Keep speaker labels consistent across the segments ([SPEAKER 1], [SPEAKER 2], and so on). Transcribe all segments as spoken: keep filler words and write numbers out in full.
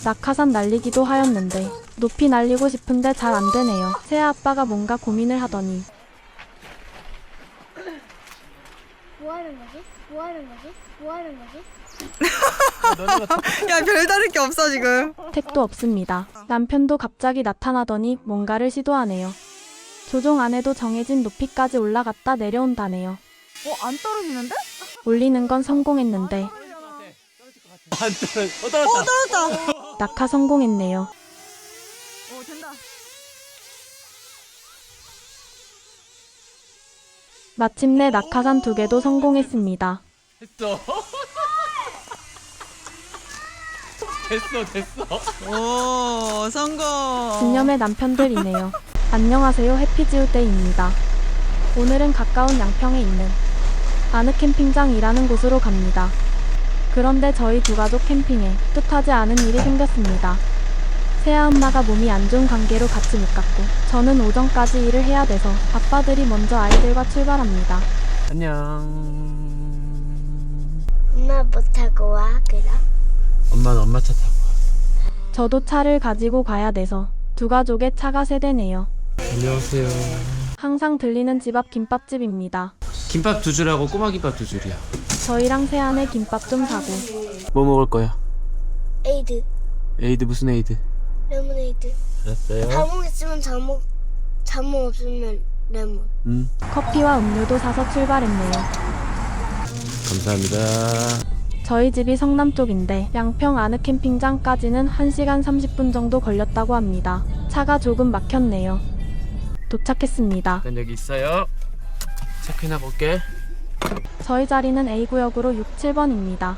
[SPEAKER 1] 낙하산 날리기도 하였는데 높이 날리고 싶은데 잘 안되네요. 세아 아빠가 뭔가 고민을 하더니
[SPEAKER 2] 뭐하는 거지? 뭐하는 거지? 뭐하는 거지?
[SPEAKER 3] 야, 별다를 게 없어 지금.
[SPEAKER 1] 택도 없습니다. 남편도 갑자기 나타나더니 뭔가를 시도하네요. 조종 안 해도 정해진 높이까지 올라갔다 내려온다네요.
[SPEAKER 3] 어, 안 떨어지는데?
[SPEAKER 1] 올리는 건 성공했는데
[SPEAKER 4] 안 떨어. 어, 떨어졌다.
[SPEAKER 3] 어, 떨어졌다.
[SPEAKER 1] 낙하 성공했네요.
[SPEAKER 3] 어, 된다.
[SPEAKER 1] 마침내 낙하산 두 개도 성공했습니다.
[SPEAKER 4] 됐어. 됐어, 됐어.
[SPEAKER 3] 오, 성공.
[SPEAKER 1] 진념의 남편들이네요. 안녕하세요, 해피지우데이입니다. 오늘은 가까운 양평에 있는 아느 캠핑장이라는 곳으로 갑니다. 그런데 저희 두 가족 캠핑에 뜻하지 않은 일이 생겼습니다. 세아 엄마가 몸이 안 좋은 관계로 같이 못 갔고 저는 오전까지 일을 해야 돼서 아빠들이 먼저 아이들과 출발합니다.
[SPEAKER 4] 안녕.
[SPEAKER 2] 엄마 뭐 타고 와 그럼?
[SPEAKER 4] 엄마는 엄마 차 타고 와.
[SPEAKER 1] 저도 차를 가지고 가야 돼서 두 가족의 차가 세 대네요.
[SPEAKER 4] 안녕하세요.
[SPEAKER 1] 항상 들리는 집 앞 김밥집입니다.
[SPEAKER 4] 김밥 두 줄하고 꼬마 김밥 두 줄이야.
[SPEAKER 1] 저희랑 세안의 김밥 좀 사고
[SPEAKER 4] 뭐 먹을 거야?
[SPEAKER 2] 에이드
[SPEAKER 4] 에이드 무슨 에이드?
[SPEAKER 2] 레모네이드.
[SPEAKER 4] 알았어요.
[SPEAKER 2] 자몽 있으면 자몽, 자몽 없으면 레몬.
[SPEAKER 4] 음,
[SPEAKER 1] 커피와 음료도 사서 출발했네요.
[SPEAKER 4] 감사합니다.
[SPEAKER 1] 저희 집이 성남 쪽인데 양평 아느 캠핑장까지는 한 시간 삼십 분 정도 걸렸다고 합니다. 차가 조금 막혔네요. 도착했습니다.
[SPEAKER 4] 일단 여기 있어요. 체크인하 볼게.
[SPEAKER 1] 저희 자리는 에이 구역으로 육, 칠 번입니다.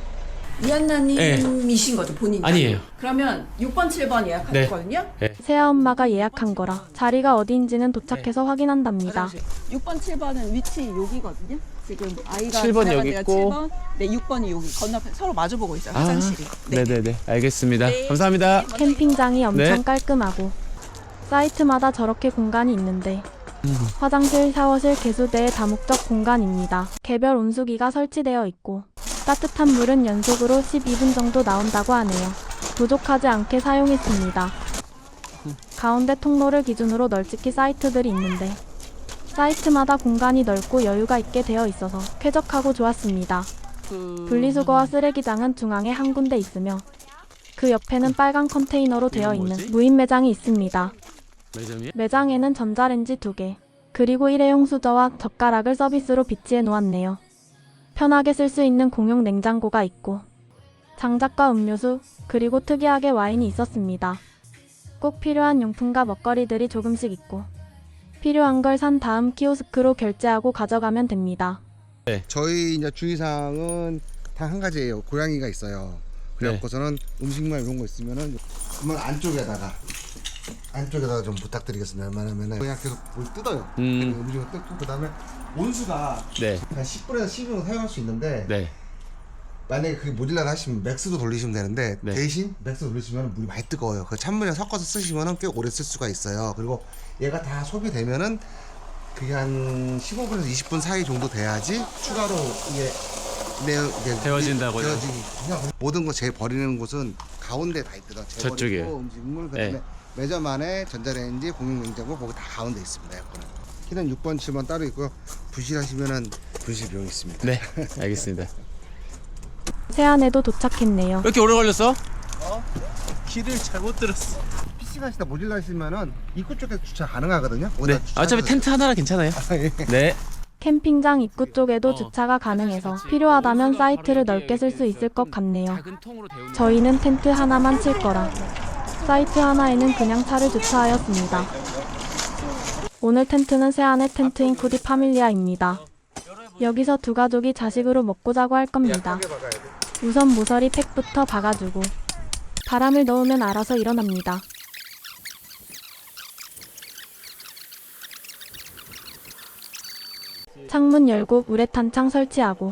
[SPEAKER 5] 이한나님이신 거죠, 본인이?
[SPEAKER 4] 아니에요.
[SPEAKER 5] 그러면 육 번, 칠 번 예약하셨거든요?
[SPEAKER 1] 세아 엄마가 예약한 거라 자리가 어디인지는 도착해서 확인한답니다.
[SPEAKER 5] 육 번, 칠 번은 위치 여기거든요. 지금 아이가
[SPEAKER 4] 칠 번
[SPEAKER 5] 지나갈
[SPEAKER 4] 여기
[SPEAKER 5] 때가
[SPEAKER 4] 있고.
[SPEAKER 5] 칠 번, 네, 육 번이 여기 건너편 서로 마주보고 있어요, 화장실이.
[SPEAKER 4] 네. 네네네. 알겠습니다. 감사합니다.
[SPEAKER 1] 캠핑장이 엄청
[SPEAKER 4] 네.
[SPEAKER 1] 깔끔하고 사이트마다 저렇게 공간이 있는데 화장실, 샤워실, 개수대의 다목적 공간입니다. 개별 온수기가 설치되어 있고 따뜻한 물은 연속으로 십이 분 정도 나온다고 하네요. 부족하지 않게 사용했습니다. 가운데 통로를 기준으로 널찍히 사이트들이 있는데 사이트마다 공간이 넓고 여유가 있게 되어 있어서 쾌적하고 좋았습니다. 분리수거와 쓰레기장은 중앙에 한 군데 있으며 그 옆에는 빨간 컨테이너로 되어 있는 무인 매장이 있습니다.
[SPEAKER 4] 매점이야?
[SPEAKER 1] 매장에는 전자레인지 두 개, 그리고 일회용 수저와 젓가락을 서비스로 비치해 놓았네요. 편하게 쓸 수 있는 공용 냉장고가 있고 장작과 음료수, 그리고 특이하게 와인이 있었습니다. 꼭 필요한 용품과 먹거리들이 조금씩 있고 필요한 걸 산 다음 키오스크로 결제하고 가져가면 됩니다.
[SPEAKER 6] 저희 이제 주의사항은 단 한 가지예요. 고양이가 있어요. 그래갖고서는 음식물 이런 거 있으면은 그만 안쪽에다가 안쪽에다가 좀 부탁드리겠습니다. 왜냐면은 그냥 계속 물 뜯어요.
[SPEAKER 4] 음.
[SPEAKER 6] 음식을 뜯고 그다음에 온수가
[SPEAKER 4] 네.
[SPEAKER 6] 한 십 분에서 십이 분 사용할 수 있는데
[SPEAKER 4] 네.
[SPEAKER 6] 만약에 그게 모질라다 하시면 맥스도 돌리시면 되는데
[SPEAKER 4] 네.
[SPEAKER 6] 대신 맥스 돌리시면 물이 많이 뜨거워요. 그 찬물에 섞어서 쓰시면은 꽤 오래 쓸 수가 있어요. 그리고 얘가 다 소비되면은 그게 한 십오 분에서 이십 분 사이 정도 돼야지 추가로 이게 내 이게
[SPEAKER 4] 데워진다고요?
[SPEAKER 6] 데워지기. 그냥 모든 거 제일 버리는 곳은 가운데 다 있더라.
[SPEAKER 4] 저쪽이에요.
[SPEAKER 6] 음식물 그다음에
[SPEAKER 4] 네.
[SPEAKER 6] 매점 안에 전자레인지 공용냉장고 거기 다 가운데 있습니다. 여기는 키는 육 번, 칠 번 따로 있고요. 부실하시면은 부실 비용 있습니다.
[SPEAKER 4] 네. 알겠습니다.
[SPEAKER 1] 세안에도 도착했네요.
[SPEAKER 4] 왜 이렇게 오래 걸렸어?
[SPEAKER 6] 길을 잘못 들었어. 피싱하시다 모질라시면은 입구 쪽에 주차 가능하거든요.
[SPEAKER 4] 네.
[SPEAKER 6] 거기다
[SPEAKER 4] 어차피
[SPEAKER 6] 주차해서-
[SPEAKER 4] 텐트 하나라 괜찮아요. 네.
[SPEAKER 1] 캠핑장 입구 쪽에도 주차가 가능해서 필요하다면 사이트를 넓게 쓸 수 있을 것 같네요.
[SPEAKER 4] 작은 통으로 데우는
[SPEAKER 1] 저희는 텐트 하나만 칠 거라 사이트 하나에는 그냥 차를 주차하였습니다. 오늘 텐트는 세안의 텐트인 쿠디 파밀리아입니다. 여기서 두 가족이 자식으로 먹고 자고 할 겁니다. 우선 모서리 팩부터 박아주고 바람을 넣으면 알아서 일어납니다. 창문 열고 우레탄 창 설치하고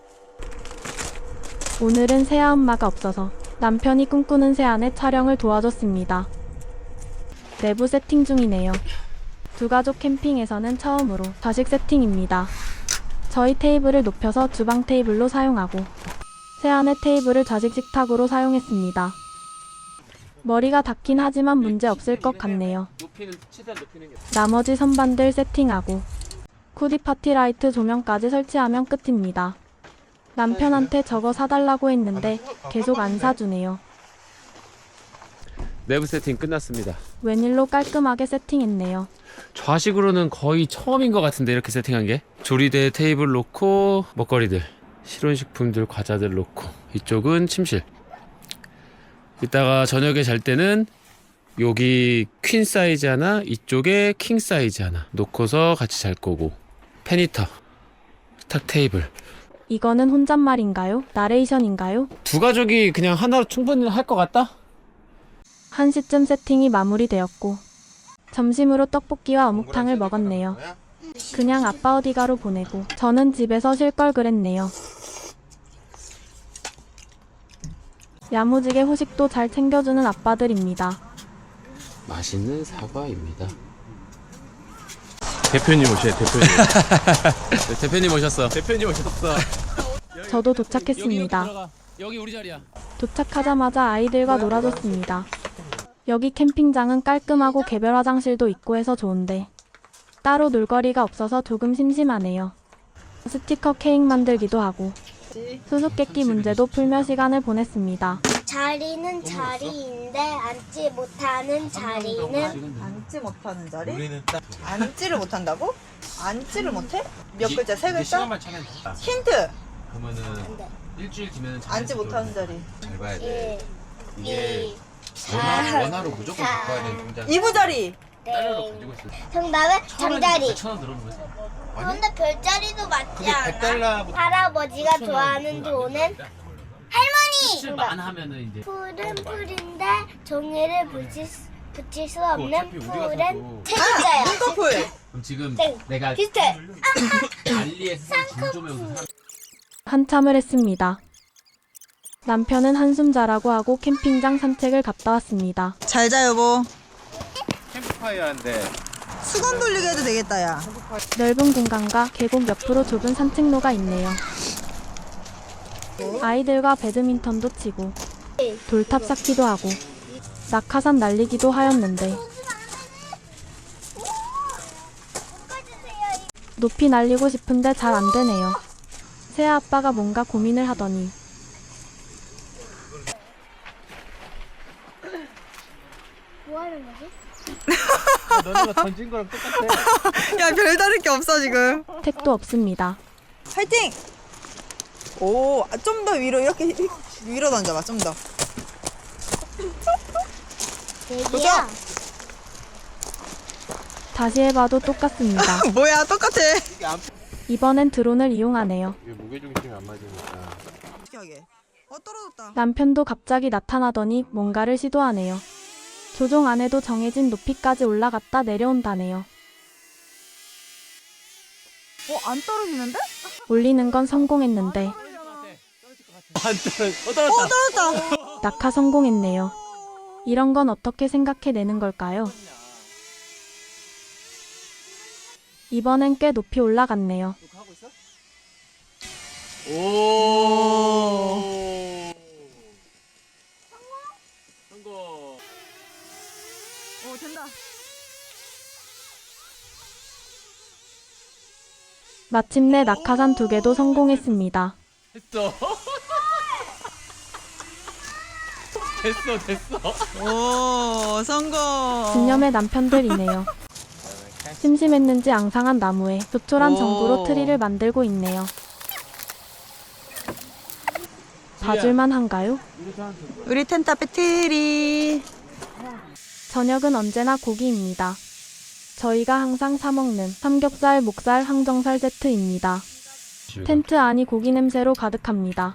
[SPEAKER 1] 오늘은 세아 엄마가 없어서 남편이 꿈꾸는 세안의 촬영을 도와줬습니다. 내부 세팅 중이네요. 두 가족 캠핑에서는 처음으로 좌식 세팅입니다. 저희 테이블을 높여서 주방 테이블로 사용하고 세안의 테이블을 좌식 식탁으로 사용했습니다. 머리가 닿긴 하지만 문제 없을 것 같네요.
[SPEAKER 4] 높이는 최대한 높이는 게.
[SPEAKER 1] 나머지 선반들 세팅하고 쿠디 파티 라이트 조명까지 설치하면 끝입니다. 남편한테 저거 사달라고 했는데 계속 안 사주네요.
[SPEAKER 4] 내부 세팅 끝났습니다.
[SPEAKER 1] 웬일로 깔끔하게 세팅했네요.
[SPEAKER 4] 좌식으로는 거의 처음인 것 같은데 이렇게 세팅한 게. 조리대 테이블 놓고 먹거리들, 실온식품들, 과자들 놓고 이쪽은 침실. 이따가 저녁에 잘 때는 여기 퀸 사이즈 하나, 이쪽에 킹 사이즈 하나 놓고서 같이 잘 거고. 페니터, 탁 테이블.
[SPEAKER 1] 이거는 혼잣말인가요? 나레이션인가요?
[SPEAKER 4] 두 가족이 그냥 하나로 충분히 할 것 같다?
[SPEAKER 1] 한 시쯤 세팅이 마무리되었고 점심으로 떡볶이와 어묵탕을 먹었네요. 그냥 아빠 어디가로 보내고 저는 집에서 쉴 걸 그랬네요. 야무지게 후식도 잘 챙겨주는 아빠들입니다.
[SPEAKER 4] 맛있는 사과입니다.
[SPEAKER 7] 대표님 오셔요, 대표님.
[SPEAKER 4] 네, 대표님 오셨어.
[SPEAKER 7] 대표님 오셨어.
[SPEAKER 1] 저도 도착했습니다.
[SPEAKER 4] 여기, 여기 우리 자리야.
[SPEAKER 1] 도착하자마자 아이들과 놀아줬습니다. 여기 캠핑장은 깔끔하고 개별 화장실도 있고 해서 좋은데 따로 놀거리가 없어서 조금 심심하네요. 스티커 케이크 만들기도 하고 수수께끼 문제도 풀며 시간을 보냈습니다.
[SPEAKER 2] 자리는 자리인데 앉지 못하는 자리는
[SPEAKER 5] 앉지 못하는 자리? 앉지를 못한다고? 앉지를 못해? 몇 글자? 세 글자?
[SPEAKER 4] 시간만 차면 돼.
[SPEAKER 5] 힌트!
[SPEAKER 4] 그러면은
[SPEAKER 2] 네.
[SPEAKER 4] 일주일 뒤면
[SPEAKER 5] 앉지 못하는 자리.
[SPEAKER 4] 잘 봐야
[SPEAKER 2] 일,
[SPEAKER 4] 이게
[SPEAKER 2] 이,
[SPEAKER 4] 원화,
[SPEAKER 2] 사,
[SPEAKER 4] 원화로 무조건
[SPEAKER 2] 사,
[SPEAKER 4] 바꿔야 되는 동작.
[SPEAKER 5] 이부자리!
[SPEAKER 4] 달러로
[SPEAKER 2] 땡.
[SPEAKER 4] 가지고 있어.
[SPEAKER 2] 정답은 잠자리.
[SPEAKER 4] 천원 들어오는 거지.
[SPEAKER 2] 그런데 별자리도 맞지
[SPEAKER 4] 그게
[SPEAKER 2] 않아?
[SPEAKER 4] 백 달러.
[SPEAKER 2] 할아버지가 좋아하는 돈은 할머니!
[SPEAKER 4] 칠 만 하면은 이제.
[SPEAKER 2] 풀은 풀인데 종이를 붙일, 수- 붙일 수 없는
[SPEAKER 4] 어차피 우리가
[SPEAKER 2] 풀은
[SPEAKER 4] 사도-
[SPEAKER 2] 세 글자야.
[SPEAKER 5] 눈꺼풀!
[SPEAKER 4] 그럼 지금
[SPEAKER 2] 땡.
[SPEAKER 4] 내가
[SPEAKER 2] 비슷해.
[SPEAKER 4] 알리에서 진점에 오는 사람.
[SPEAKER 1] 한참을 했습니다. 남편은 한숨 자라고 하고 캠핑장 산책을 갔다 왔습니다.
[SPEAKER 5] 잘 자, 여보.
[SPEAKER 7] 캠프파이어 한데.
[SPEAKER 5] 수건 돌리게 해도 되겠다, 야.
[SPEAKER 1] 넓은 공간과 계곡 옆으로 좁은 산책로가 있네요. 아이들과 배드민턴도 치고 돌탑 쌓기도 하고 낙하산 날리기도 하였는데 높이 날리고 싶은데 잘 안 되네요. 새아 아빠가 뭔가 고민을 하더니
[SPEAKER 2] 뭐 하는 거지?
[SPEAKER 7] 너네가 던진 거랑 똑같아.
[SPEAKER 5] 야, 별다를 게 없어, 지금.
[SPEAKER 1] 택도 없습니다.
[SPEAKER 5] 화이팅! 오, 좀 더 위로, 이렇게 위로 던져봐, 좀 더.
[SPEAKER 2] 얘기야.
[SPEAKER 1] 다시 해봐도 똑같습니다.
[SPEAKER 5] 뭐야, 똑같아.
[SPEAKER 1] 이번엔 드론을 이용하네요.
[SPEAKER 7] 이게 무게중심이 안 맞으니까.
[SPEAKER 5] 신기하게. 어, 떨어졌다.
[SPEAKER 1] 남편도 갑자기 나타나더니 뭔가를 시도하네요. 조종 안 해도 정해진 높이까지 올라갔다 내려온다네요.
[SPEAKER 3] 어, 안 떨어지는데?
[SPEAKER 1] 올리는 건 성공했는데
[SPEAKER 4] 안 떨어. 어 떨어졌다.
[SPEAKER 5] 어, 떨어졌다.
[SPEAKER 1] 낙하 성공했네요. 이런 건 어떻게 생각해내는 걸까요? 이번엔 꽤 높이 올라갔네요.
[SPEAKER 4] 오. 성공.
[SPEAKER 3] 어, 된다.
[SPEAKER 1] 마침내 낙하산 두 개도 성공했습니다.
[SPEAKER 4] 됐어. 됐어 됐어.
[SPEAKER 3] 오, 성공.
[SPEAKER 1] 진념의 남편들이네요. 심심했는지 앙상한 나무에 조촐한
[SPEAKER 3] 오.
[SPEAKER 1] 전구로 트리를 만들고 있네요. 봐줄만 한가요?
[SPEAKER 5] 우리 텐트 앞에 트리.
[SPEAKER 1] 저녁은 언제나 고기입니다. 저희가 항상 사먹는 삼겹살, 목살, 항정살 세트입니다. 텐트 안이 고기 냄새로 가득합니다.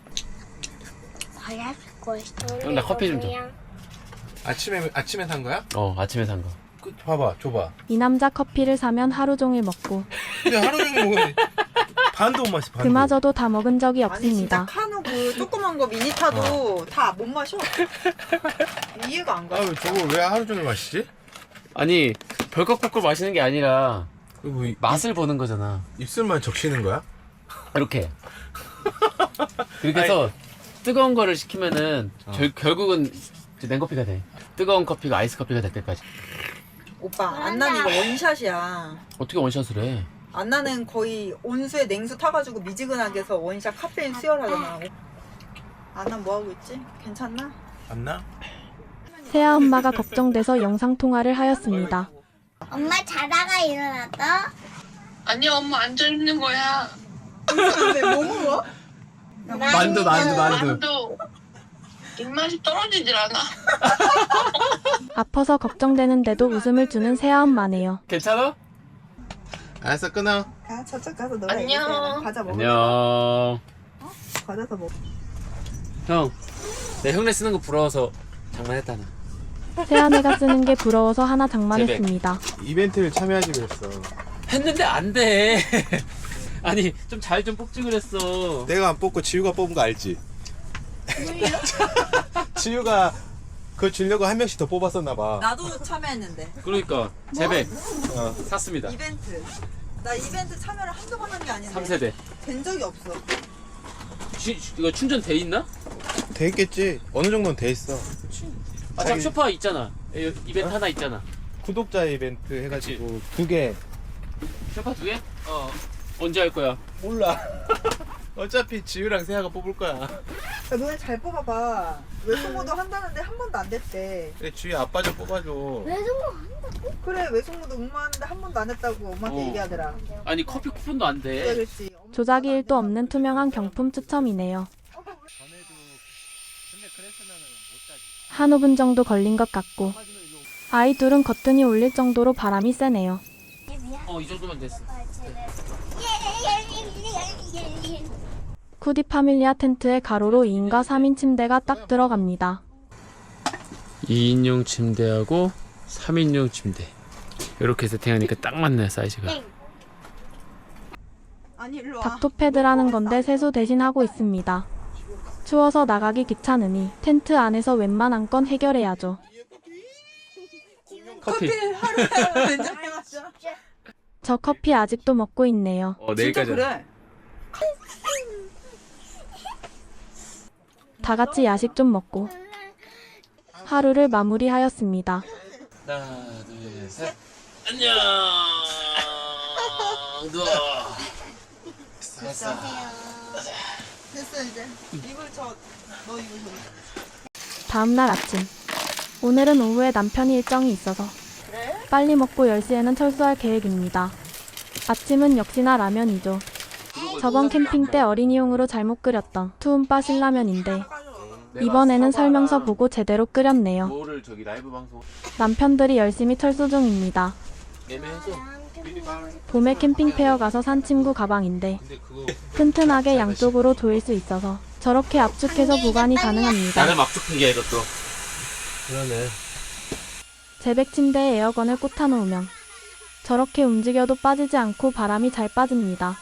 [SPEAKER 4] 형, 나 커피 좀 줘.
[SPEAKER 7] 아침에 아침에 산 거야?
[SPEAKER 4] 어 아침에 산 거.
[SPEAKER 7] 그, 봐봐, 줘봐.
[SPEAKER 1] 이 남자 커피를 사면 하루 종일 먹고
[SPEAKER 7] 근데 하루 종일 먹으면 반도 못 마시. 반도.
[SPEAKER 1] 그마저도 다 먹은 적이
[SPEAKER 5] 아니, 진짜
[SPEAKER 1] 없습니다.
[SPEAKER 5] 카누 그 조그만 거 미니타도 다 못 마셔. 이해가 안 가.
[SPEAKER 7] 아유, 저걸 왜 하루 종일 마시지?
[SPEAKER 4] 아니 벌컥벌컥 마시는 게 아니라
[SPEAKER 7] 그 뭐, 이-
[SPEAKER 4] 맛을 보는 거잖아.
[SPEAKER 7] 입술만 적시는 거야?
[SPEAKER 4] 이렇게. 그렇게 해서 뜨거운 거를 시키면은 결, 결국은 이제 냉커피가 돼. 뜨거운 커피가 아이스 커피가 될 때까지.
[SPEAKER 5] 오빠 안나는 이거 원샷이야.
[SPEAKER 4] 어떻게 원샷을 해?
[SPEAKER 5] 안나는 거의 온수에 냉수 타가지고 미지근하게 해서 원샷 카페인 수혈하잖아. 안나 뭐 하고 있지? 괜찮나?
[SPEAKER 7] 맞나?
[SPEAKER 1] 세아 엄마가 걱정돼서 영상통화를 하였습니다.
[SPEAKER 2] 엄마 자다가 일어났다.
[SPEAKER 8] 아니야 엄마 앉아 있는 거야.
[SPEAKER 5] 뭐 먹어?
[SPEAKER 7] 만두 만두 만두.
[SPEAKER 8] 만두 입맛이 떨어지질 않아.
[SPEAKER 1] 아파서 걱정되는데도 웃음을 주는 세아 엄마네요.
[SPEAKER 4] 괜찮아?
[SPEAKER 7] 알았어 끊어.
[SPEAKER 5] 가 저쪽 가서 너가
[SPEAKER 8] 안녕.
[SPEAKER 5] 얘기해. 과자 먹어.
[SPEAKER 4] 안녕.
[SPEAKER 5] 과자 더 먹어.
[SPEAKER 4] 형, 내 흉내 쓰는 거 부러워서 장난했다 나.
[SPEAKER 1] 세아네가 쓰는 게 부러워서 하나 장만했습니다.
[SPEAKER 7] 이벤트를 참여하지 그랬어.
[SPEAKER 4] 했는데 안 돼. 아니 좀 잘 좀 뽑지 그랬어.
[SPEAKER 7] 내가 안 뽑고 지우가 뽑은 거 알지? 지우가 그거 주려고 한 명씩 더 뽑았었나 봐.
[SPEAKER 5] 나도 참여했는데.
[SPEAKER 4] 그러니까 재백
[SPEAKER 7] 어.
[SPEAKER 4] 샀습니다.
[SPEAKER 5] 이벤트. 나 이벤트 참여를 한두 번 한 게 아닌데.
[SPEAKER 4] 삼 세대.
[SPEAKER 5] 된 적이 없어.
[SPEAKER 4] 주, 이거 충전 돼 있나?
[SPEAKER 7] 돼 있겠지. 어느 정도는 돼 있어.
[SPEAKER 4] 아, 참 쇼파 있잖아. 여기 이벤트 하나 있잖아.
[SPEAKER 7] 구독자 이벤트 해가지고 두 개.
[SPEAKER 4] 쇼파 두 개? 어. 언제 할 거야?
[SPEAKER 7] 몰라. 어차피 지우랑 세아가 뽑을 거야.
[SPEAKER 5] 야, 너네 잘 뽑아봐. 외숙모도 한다는데 한 번도 안 됐대.
[SPEAKER 7] 그래 지우 아빠 좀 뽑아줘.
[SPEAKER 5] 그래 외숙모도 응모하는데 한 번도 안 했다고 엄마한테
[SPEAKER 4] 어.
[SPEAKER 5] 얘기하더라.
[SPEAKER 4] 아니 커피 쿠폰도 안
[SPEAKER 5] 그래
[SPEAKER 4] 돼.
[SPEAKER 5] 그랬지.
[SPEAKER 1] 조작이 일도 없는 투명한 경품 추첨이네요. 한 오 분 정도 걸린 것 같고 아이 둘은 거뜬히 올릴 정도로 바람이 세네요.
[SPEAKER 4] 어, 이 정도면 됐어.
[SPEAKER 1] 쿠디 파밀리아 텐트에 가로로 이 인과 삼 인 침대가 딱 들어갑니다.
[SPEAKER 4] 이 인용 침대하고 삼 인용 침대. 이렇게 세팅하니까 딱 맞네 사이즈가.
[SPEAKER 5] 아니 일로 와.
[SPEAKER 1] 닥토패드라는 건데 세수 대신 하고 있습니다. 추워서 나가기 귀찮으니 텐트 안에서 웬만한 건 해결해야죠.
[SPEAKER 4] 커피.
[SPEAKER 5] 하루에 된장에 마셔.
[SPEAKER 1] 저 커피 아직도 먹고 있네요.
[SPEAKER 4] 어,
[SPEAKER 5] 진짜
[SPEAKER 4] 내일까지.
[SPEAKER 5] 그래.
[SPEAKER 1] 다 같이 야식 좀 먹고 하루를 마무리하였습니다.
[SPEAKER 4] 하나, 둘, 셋. 안녕. 누워. 됐어.
[SPEAKER 5] 됐어 이제. 이불 저. 너 이불 저.
[SPEAKER 1] 다음날 아침. 오늘은 오후에 남편이 일정이 있어서 빨리 먹고 열 시에는 철수할 계획입니다. 아침은 역시나 라면이죠. 저번 캠핑 때 어린이용으로 잘못 끓였던 투움바 신라면인데 이번에는 설명서 보고 제대로 끓였네요.
[SPEAKER 4] 뭐를 저기 라이브 방송
[SPEAKER 1] 남편들이 열심히 철수 중입니다.
[SPEAKER 4] 애매해서.
[SPEAKER 1] 봄에 캠핑 페어 가서 산 친구 가방인데 튼튼하게 양쪽으로 조일 수 있어서 저렇게 압축해서 보관이 가능합니다.
[SPEAKER 4] 나는 막죽팩이야 이것도.
[SPEAKER 7] 그러네.
[SPEAKER 1] 제백 침대에 에어건을 꽂아 놓으면 저렇게 움직여도 빠지지 않고 바람이 잘 빠집니다.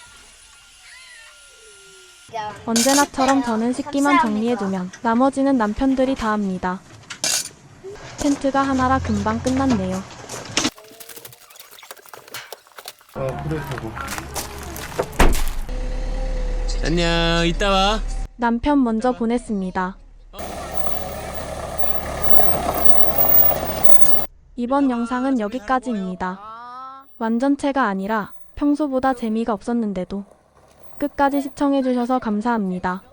[SPEAKER 1] 언제나처럼 저는 식기만 정리해두면 나머지는 남편들이 다 합니다. 텐트가 하나라 금방 끝났네요.
[SPEAKER 7] 어 그래 저거.
[SPEAKER 4] 안녕. 이따 와.
[SPEAKER 1] 남편 먼저 보냈습니다. 이번 영상은 여기까지입니다. 완전체가 아니라 평소보다 재미가 없었는데도 끝까지 시청해주셔서 감사합니다.